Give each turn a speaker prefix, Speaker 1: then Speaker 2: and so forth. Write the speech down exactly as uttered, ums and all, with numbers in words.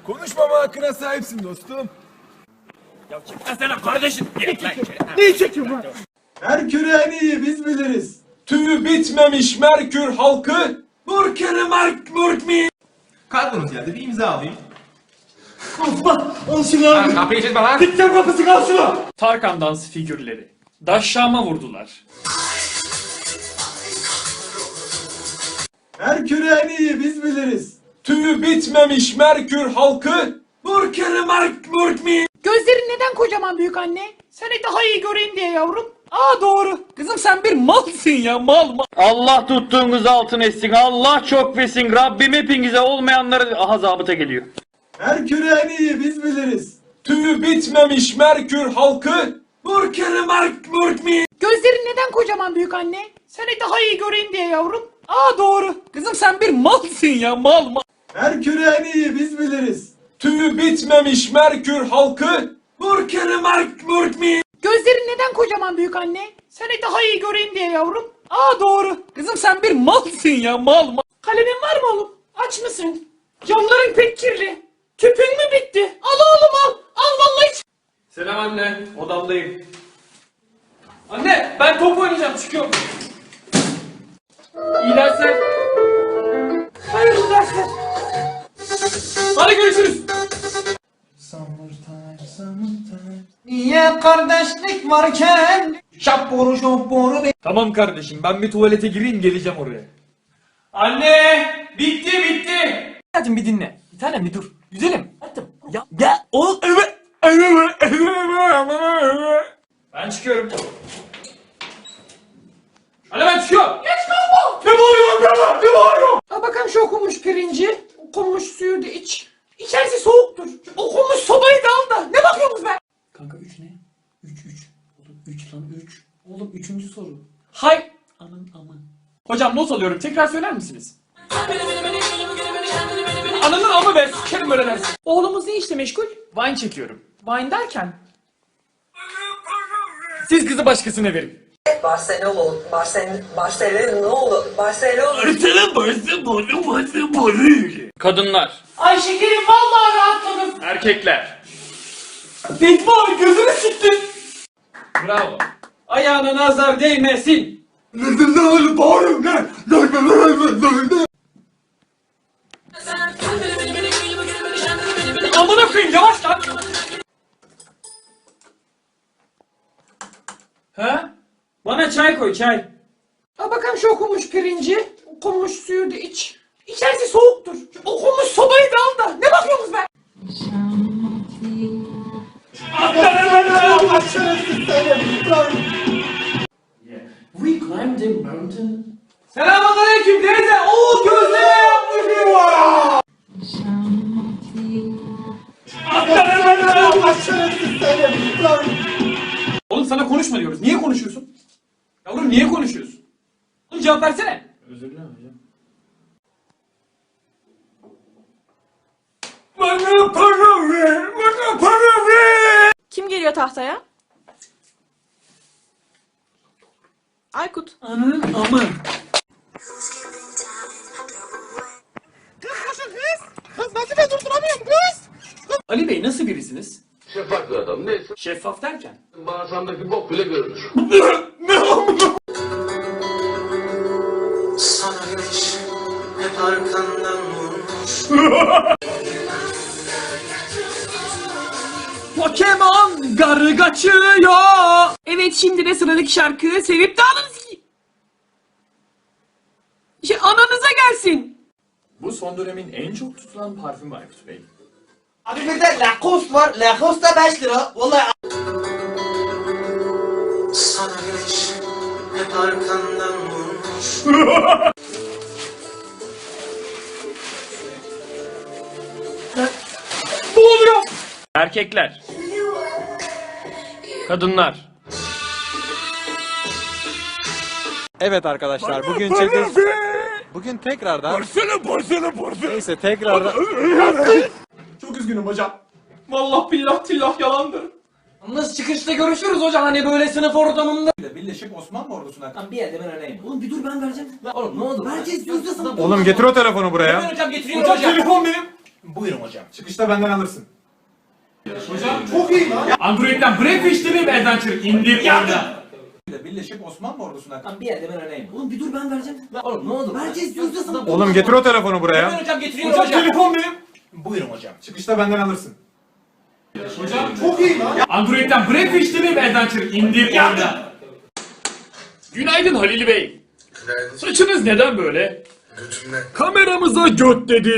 Speaker 1: Konuşmama hakkına sahipsin dostum.
Speaker 2: Ya çekmesene kardeşim.
Speaker 1: Neyi çekiyorsun lan? Merkür'ü en iyi biz biliriz. Tüyü bitmemiş Merkür halkı. Murkeri Mark Murkmi.
Speaker 3: Kargonuz geldi, bir imza alayım.
Speaker 1: Allah! Al şunu abi!
Speaker 2: Kapıyı çizme lan.
Speaker 1: Dikkat kapısı al şunu!
Speaker 2: Tarkan dans figürleri. Daşşama vurdular.
Speaker 1: Merkür'ü en iyi biz biliriz. Tüyü bitmemiş Merkür halkı. Murkeri Mark Murkmi.
Speaker 4: Gözlerin neden kocaman büyük anne? Seni daha iyi göreyim diye yavrum. Aa doğru. Kızım sen bir malsın ya mal mal.
Speaker 5: Allah tuttuğunuz altın etsin. Allah çok versin. Rabbim hepinize olmayanları aha zabıta geliyor.
Speaker 1: Merkür'ü en iyi biz biliriz. Tüyü bitmemiş Merkür halkı. Murkeri Mark Murkmi.
Speaker 4: Gözlerin neden kocaman büyük anne? Seni daha iyi göreyim diye yavrum. Aa doğru. Kızım sen bir malsın ya mal mal.
Speaker 1: Merkür'ü en iyi biz biliriz. Tüyü bitmemiş Merkür halkı. Murkeri Mark Murkmi.
Speaker 4: Gözlerin neden kocaman büyük anne? Seni daha iyi göreyim diye yavrum. Aa doğru. Kızım sen bir malsın ya mal mal. Kalemin var mı oğlum? Aç mısın? Camların pek kirli. Tüpün mü bitti? Al oğlum al. Al vallahi hiç.
Speaker 2: Selam anne. Odamdayım. Anne ben top oynayacağım çıkıyorum. İyi dersler.
Speaker 4: Hayırlı dersler.
Speaker 2: Hadi görüşürüz.
Speaker 3: Niye kardeşlik varken? Şapboru şapboru be.
Speaker 2: Tamam kardeşim ben bir tuvalete gireyim geleceğim oraya. Anne bitti bitti.
Speaker 3: Hadi bir dinle. Bir tanem bir dur. Güzelim. Hadi. Ya.
Speaker 2: Ya o evet. Ben çıkıyorum. Hadi ben çıkıyorum.
Speaker 4: Geç kalma.
Speaker 2: Ne bağırıyorsun be? Ne bağırıyorsun?
Speaker 4: Al bakalım şu okunmuş pirinci. Okunmuş suyu da iç. İçerisi soğuktur. Şu okunmuş sobayı da al da. Ne bakıyorsunuz be?
Speaker 3: Kanka üç ne? üç üç. Oğlum üç lan üç. Oğlum üçüncü soru.
Speaker 2: Hay.
Speaker 3: Aman aman.
Speaker 2: Hocam not alıyorum. Tekrar söyler misiniz? Ananın amı be. Sikerim böyle dersin.
Speaker 4: Oğlumuz ne işle meşgul?
Speaker 2: Wine çekiyorum.
Speaker 4: Wine derken.
Speaker 2: Siz kızı başkasına verin.
Speaker 6: Barcelona, Barcelona, Barcelona, Barcelona.
Speaker 5: Kadınlar.
Speaker 4: Ay şekerim vallahi rahatladım.
Speaker 2: Erkekler. Fetva gözünü siktin. Bravo. Ayağına nazar değmesin. Amına koyayım yavaş lan. Ha? Bana çay koy çay.
Speaker 4: Al bakalım şu okunmuş pirinci. Okunmuş suyu da iç. İçerisi soğuktur. Şu okunmuş sobayı da al da. Ne bakıyorsunuz be?
Speaker 2: We climbed a mountain. Selamünaleyküm teyze. Oo gözleme yapmışım var. Oğlum sana konuşma diyoruz. Niye konuşuyorsun? Yavrum niye konuşuyorsun? Oğlum cevap versene. Özür dilerim hocam. Bana para ver. Bana para ver.
Speaker 7: Kim geliyor tahtaya? Aykut.
Speaker 2: Ananın amı. Ali Bey nasıl birisiniz?
Speaker 8: Şeffaf bir adam. Neyse.
Speaker 2: Şeffaf derken?
Speaker 8: Bağırsağımdaki bok bile görünür.
Speaker 6: Sana güneş hep arkandan vurmuş.
Speaker 2: Pokemon garı kaçıyor.
Speaker 4: Evet şimdi de sıradaki şarkı sevip de ananız ki. Şey ananıza gelsin.
Speaker 2: Bu son dönemin en çok tutulan parfümü Aykut Bey.
Speaker 3: Abi bir de Lacoste var. Lacoste da beş lira. Vallahi.
Speaker 6: Sana güneş hep arkandan vurmuş.
Speaker 2: Ne oluyor?
Speaker 5: Erkekler. Kadınlar.
Speaker 9: Evet arkadaşlar bugün çekeceğiz. Bugün tekrardan
Speaker 1: Barsana barsana barsana.
Speaker 9: neyse tekrardan
Speaker 2: Çok üzgünüm hocam. Vallahi billah tillah yalandır.
Speaker 3: Yalnız çıkışta görüşürüz hocam. Hani böyle sınıf ortamında.
Speaker 1: Birleşik Osmanlı ordusuna.
Speaker 3: Lan bir yerde ben öyleyim. Oğlum bir dur ben vereceğim. Lan oğlum ne oldu? Vereceğiz yüzde sana.
Speaker 9: Oğlum getir o telefonu buraya.
Speaker 3: Hocam getiriyorum
Speaker 2: Hocam
Speaker 3: hocam.
Speaker 2: telefon benim.
Speaker 1: Buyurun hocam. Çıkışta benden alırsın.
Speaker 2: Android'den Breakfast TV Adventure indir oyna.
Speaker 1: Birleşip Osmanlı ordusuna.
Speaker 3: Bir yerde ben öyleyim. Oğlum bir dur ben vereceğim. Oğlum ne oldu? Vereceğiz diyoruz da sana.
Speaker 1: Oğlum getir o telefonu buraya.
Speaker 3: Hocam getiriyorum
Speaker 1: Hocam
Speaker 3: hocam.
Speaker 1: telefon benim. Buyurun hocam. Çıkışta benden alırsın.
Speaker 2: Android'den Breakfast T V Adventure indir oyna. Günaydın Halil Bey. Saçınız neden böyle? Kameramıza göt dedi.